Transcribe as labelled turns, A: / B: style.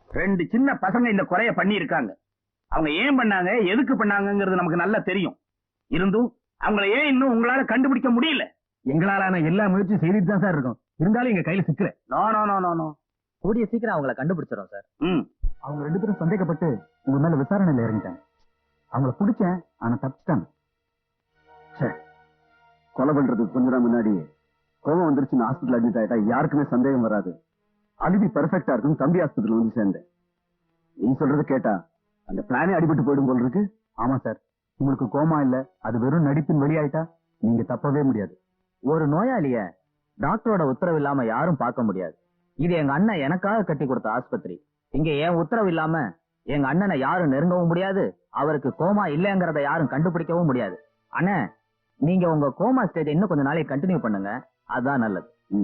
A: 2 சின்ன பசங்க இந்த குறைய பண்ணி இருக்காங்க. அவங்க ஏன் பண்ணாங்க, எதுக்கு பண்ணாங்கங்கிறது நமக்கு நல்லா தெரியும். இருந்தும் அவங்கள ஏன் இன்னும் உங்களால கண்டுபிடிக்க முடியல?
B: எங்களாலான எல்லா முயற்சியும் செய்துட்டு தான் சார் இருக்கோம். இருந்தாலும் எங்க கையில சிக்கல.
A: No no no no no.
C: கூடிய சீக்கிரம் அவங்கள கண்டுபிடிச்சிடும் சார்.
B: அவங்க 2 பேரும் சந்தேகப்பட்டு உங்க மேல விசாரணையில இறங்கிட்டாங்க. அவங்கள பிடிச்சேன், ஆனா தப்பிச்சிட்டாங்க. கொலை பண்றதுக்கு கொஞ்ச நாள் முன்னாடி கோவம் வந்துருச்சுன்னு ஹாஸ்பிட்டல் அட்மிட் ஆயிட்டா யாருக்குமே சந்தேகம் வராது. அலிபி பெர்ஃபெக்டா இருக்கும். தம்பி ஹாஸ்பிட்டல் வந்து சேர்ந்தேன். நீ சொல்றது கேட்டா அந்த பிளானே அடிபட்டு போயிடும் போல இருக்கு. ஆமா சார், உங்களுக்கு கோமா இல்ல, அது வெறும் நடிப்பின் வெளியாயிட்டா நீங்க தப்பவே முடியாது.
C: ஒரு நோயாளிய டாக்டரோட உத்தரவு இல்லாம யாரும் பார்க்க முடியாது. இது எங்க அண்ணன் எனக்காக கட்டி கொடுத்த ஆஸ்பத்திரி. இங்க என் உத்தரவு இல்லாம எங்க அண்ணனை யாரும் நெருங்கவும் முடியாது, அவருக்கு கோமா இல்லங்கிறத யாரும் கண்டுபிடிக்கவும் முடியாது. அண்ணன், நீங்க உங்க கோமா ஸ்டேஜ் இன்னும் கொஞ்ச நாளைக்கு கண்டினியூ பண்ணுங்க, அதுதான் நல்லது.